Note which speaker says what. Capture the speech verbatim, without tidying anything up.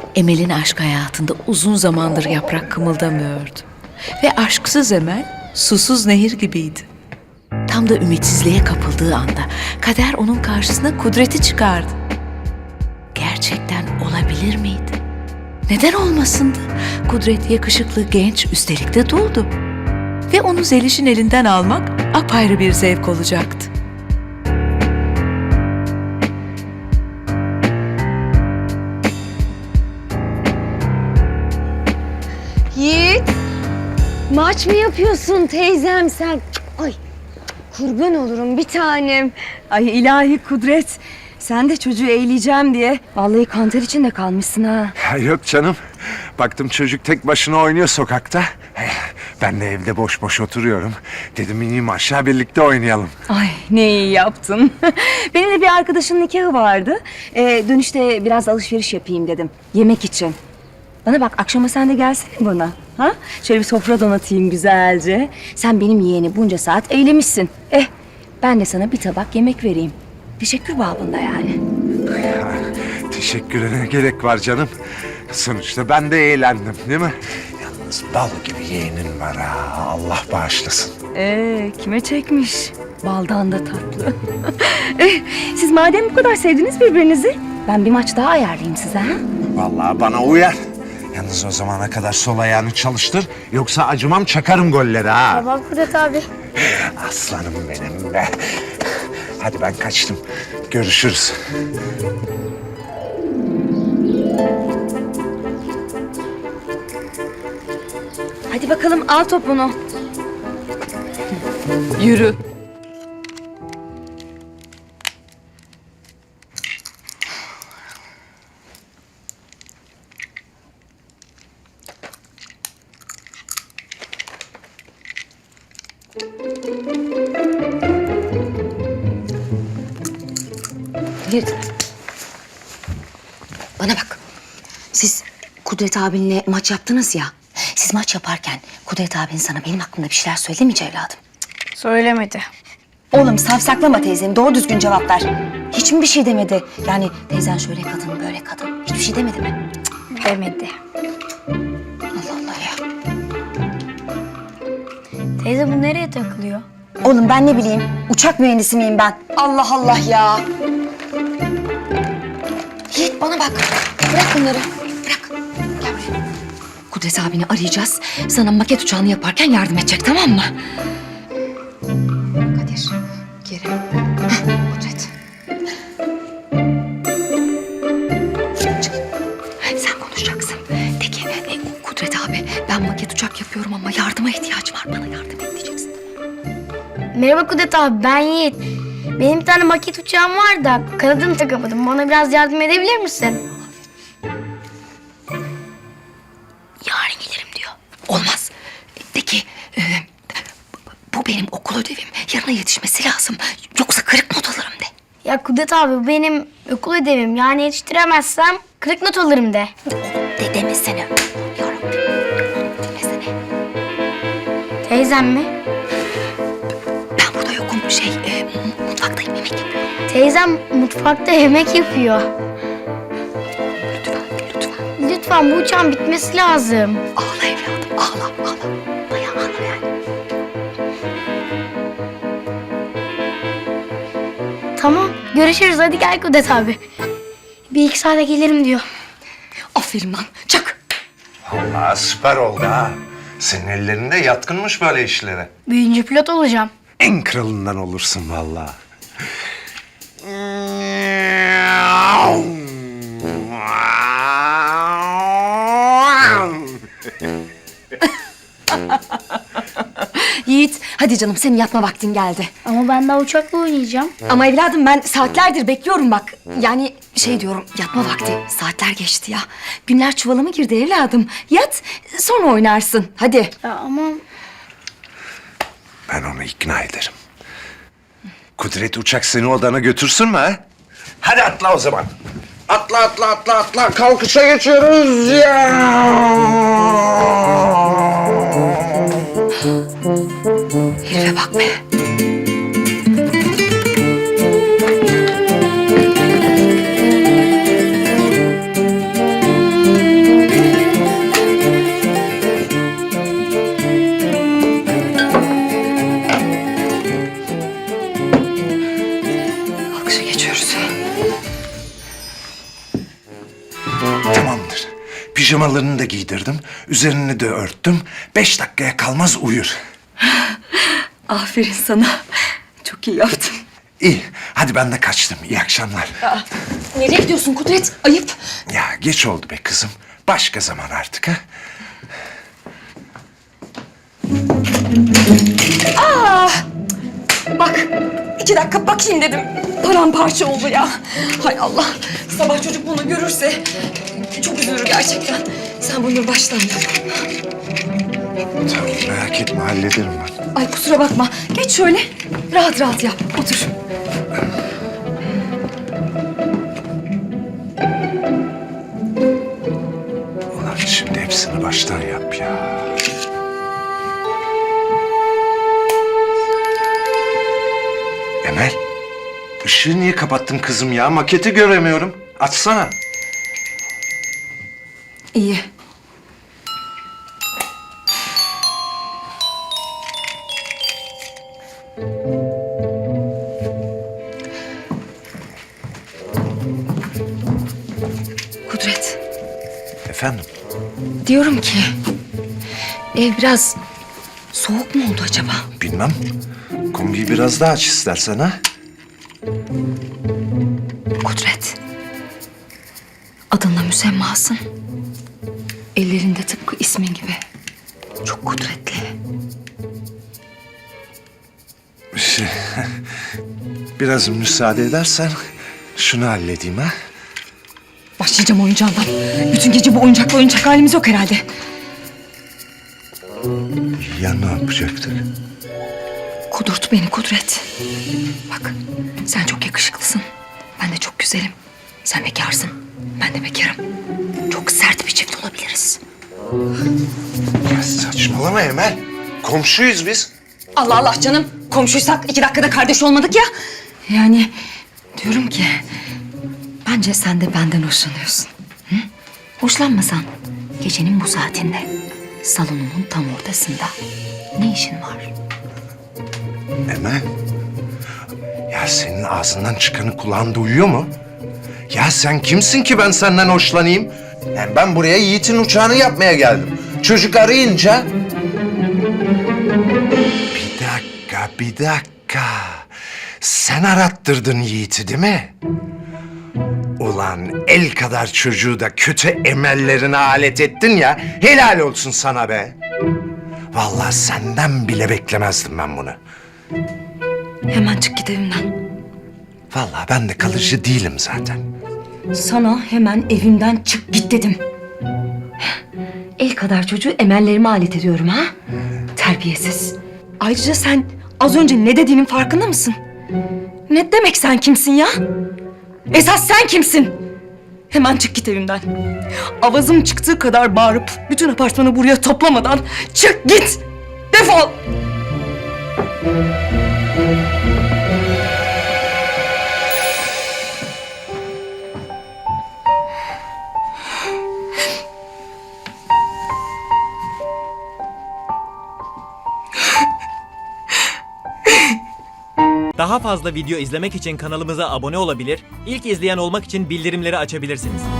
Speaker 1: Emel'in aşk hayatında uzun zamandır yaprak kımıldamıyordu. Ve aşksız Emel, susuz nehir gibiydi. Tam da ümitsizliğe kapıldığı anda kader onun karşısına Kudret'i çıkardı. Gerçekten olabilir miydi? Neden olmasındı? Kudret yakışıklı, genç, üstelik de duldu. Ve onu Zeliş'in elinden almak apayrı bir zevk olacaktı.
Speaker 2: Yiğit, maç mı yapıyorsun teyzem sen? Ay, kurban olurum bir tanem. Ay ilahi Kudret, sen de çocuğu eğleyeceğim diye vallahi kanter içinde kalmışsın ha.
Speaker 3: Ya yok canım. Baktım çocuk tek başına oynuyor sokakta. Ben de evde boş boş oturuyorum. Dedim ineyim aşağı birlikte oynayalım.
Speaker 2: Ay ne iyi yaptın. Benim de bir arkadaşın nikahı vardı. Ee, dönüşte biraz alışveriş yapayım dedim. Yemek için. Bana bak akşama sen de gelsene bana. Ha? Şöyle bir sofra donatayım güzelce. Sen benim yeğeni bunca saat eylemişsin. Eh ben de sana bir tabak yemek vereyim. Teşekkür babında yani.
Speaker 3: Ya, teşekküre ne gerek var canım. Sonuçta ben de eğlendim değil mi? Yalnız bal gibi yeğenin var ha. Allah bağışlasın.
Speaker 2: Ee, kime çekmiş? Baldan da tatlı. Eh, siz madem bu kadar sevdiniz birbirinizi, ben bir maç daha ayarlayayım size ha?
Speaker 3: Vallahi bana uyar. Yalnız o zamana kadar sol ayağını çalıştır. Yoksa acımam çakarım golleri ha.
Speaker 4: Tamam Kudret abi.
Speaker 3: Aslanım benim be. Hadi ben kaçtım. Görüşürüz.
Speaker 2: Hadi bakalım al topunu.
Speaker 1: Yürü.
Speaker 5: Bir... Bana bak. Siz Kudret abinle maç yaptınız ya. Siz maç yaparken Kudret abin sana benim hakkımda bir şeyler söyledi mi evladım?
Speaker 4: Söylemedi.
Speaker 5: Oğlum safsaklama teyzeni. Doğru düzgün cevap ver. Hiç mi bir şey demedi? Yani teyzen şöyle kadın, böyle kadın. Hiçbir şey demedi mi?
Speaker 4: Demedi.
Speaker 5: Allah Allah ya.
Speaker 4: Teyze bu nereye takılıyor?
Speaker 5: Oğlum ben ne bileyim. Uçak mühendisi miyim ben? Allah Allah ya. Yiğit bana bak. Bırak bunları. Bırak. Gel buraya. Kudret abini arayacağız. Sana maket uçağını yaparken yardım edecek, tamam mı? Kadir. Geri. Heh, Kudret. Çık. Sen konuşacaksın. De ki e, Kudret abi ben maket uçak yapıyorum ama yardıma ihtiyacım var. Bana yardım et diyeceksin.
Speaker 4: Merhaba Kudret abi, ben Yiğit. Benim bir tane maket uçağım var da kanadını takamadım. Bana biraz yardım edebilir misin?
Speaker 5: Yarın gelirim diyor. Olmaz. De ki e, bu benim okul ödevim. Yarına yetişmesi lazım. Yoksa kırık not alırım de.
Speaker 4: Ya Kudret abi, bu benim okul ödevim. Yani yetiştiremezsem kırık not alırım de.
Speaker 5: De demesene. Yarabbim. Demesene.
Speaker 4: Teyzem mi?
Speaker 5: Ben burada yokum. Şey e, mutfaktayım, yemek yapıyorum.
Speaker 4: Teyzem mutfakta yemek yapıyor.
Speaker 5: Lütfen, lütfen.
Speaker 4: Lütfen bu uçağın bitmesi lazım.
Speaker 5: Ağla evladım. Ağla, ağla. Bayağı ağla yani.
Speaker 4: Tamam, görüşürüz. Hadi gel Kudret abi. Bir iki saate gelirim diyor.
Speaker 5: Aferin lan. Çak.
Speaker 3: Allah süper oldu ha. Senin ellerinde yatkınmış böyle işlere.
Speaker 4: Büyüyünce pilot olacağım.
Speaker 3: En kralından olursun vallahi.
Speaker 5: Yiğit, hadi canım senin yatma vaktin geldi.
Speaker 4: Ama ben daha uçakla oynayacağım.
Speaker 5: Ama evladım ben saatlerdir bekliyorum bak. Yani şey diyorum, yatma vakti. Saatler geçti ya. Günler çuvala mı girdi evladım? Yat, sonra oynarsın. Hadi.
Speaker 4: Ya ama
Speaker 3: Ben onu ikna ederim. Kudret uçak seni odana götürsün mü ha? Hadi atla o zaman. Atla atla atla atla. Kalkışa geçiyoruz ya.
Speaker 5: Herife bak be.
Speaker 3: Pijamalarını da giydirdim. Üzerini de örttüm. Beş dakikaya kalmaz uyur.
Speaker 5: Aferin sana. Çok iyi yaptın.
Speaker 3: İyi. Hadi ben de kaçtım. İyi akşamlar.
Speaker 5: Nereye gidiyorsun Kudret? Ayıp.
Speaker 3: Ya geç oldu be kızım. Başka zaman artık ha.
Speaker 5: Bak, iki dakika bakayım dedim. Paramparça oldu ya. Hay Allah. Sabah çocuk bunu görürse çok üzülür gerçekten. Sen bunu baştan yap.
Speaker 3: Tamam, merak etme hallederim ben.
Speaker 5: Ay kusura bakma. Geç şöyle. Rahat rahat yap. Otur.
Speaker 3: Ulan şimdi hepsini baştan yap ya. Emel, ışığı niye kapattın kızım ya? Maketi göremiyorum. Açsana.
Speaker 5: İyi. Kudret,
Speaker 3: Efendim?
Speaker 5: diyorum ki ev biraz soğuk mu oldu acaba?
Speaker 3: Bilmem. Kombiyi biraz daha aç istersen ha.
Speaker 5: Kudret, adınla müsemmasın. Ellerinde tıpkı ismin gibi. Çok kudretli.
Speaker 3: Şey, biraz müsaade edersen şunu halledeyim ha.
Speaker 5: Başlayacağım oyuncağından. Bütün gece bu oyuncakla oynayacak halimiz yok herhalde.
Speaker 3: Ya ne yapacaktık?
Speaker 5: Kudurt beni Kudret. Bak sen çok yakışıklısın. Ben de çok güzelim. Sen bekarsın. Ben de bekarım. Çok sert bir çift olabiliriz.
Speaker 3: Ya saçmalama Emel. Komşuyuz biz.
Speaker 5: Allah Allah canım. Komşuysak iki dakikada kardeş olmadık ya. Yani diyorum ki bence sen de benden hoşlanıyorsun. Hı? Hoşlanmasan gecenin bu saatinde salonumun tam ortasında ne işin var?
Speaker 3: Emel. Ya senin ağzından çıkanı kulağın duyuyor mu? Ya sen kimsin ki ben senden hoşlanayım? Yani ben buraya Yiğit'in uçağını yapmaya geldim. Çocuk arayınca... Bir dakika, bir dakika. Sen arattırdın Yiğit'i değil mi? Ulan el kadar çocuğu da kötü emellerine alet ettin ya. Helal olsun sana be. Vallahi senden bile beklemezdim ben bunu.
Speaker 5: Hemen çık git evimden.
Speaker 3: Vallahi ben de kalıcı değilim zaten.
Speaker 5: Sana hemen evimden çık git dedim. El kadar çocuğu emellerime alet ediyorum ha? Terbiyesiz. Ayrıca sen az önce ne dediğinin farkında mısın? Ne demek sen kimsin ya? Esas sen kimsin? Hemen çık git evimden. Avazım çıktığı kadar bağırıp bütün apartmanı buraya toplamadan çık git. Defol.
Speaker 6: Daha fazla video izlemek için kanalımıza abone olabilir, ilk izleyen olmak için bildirimleri açabilirsiniz.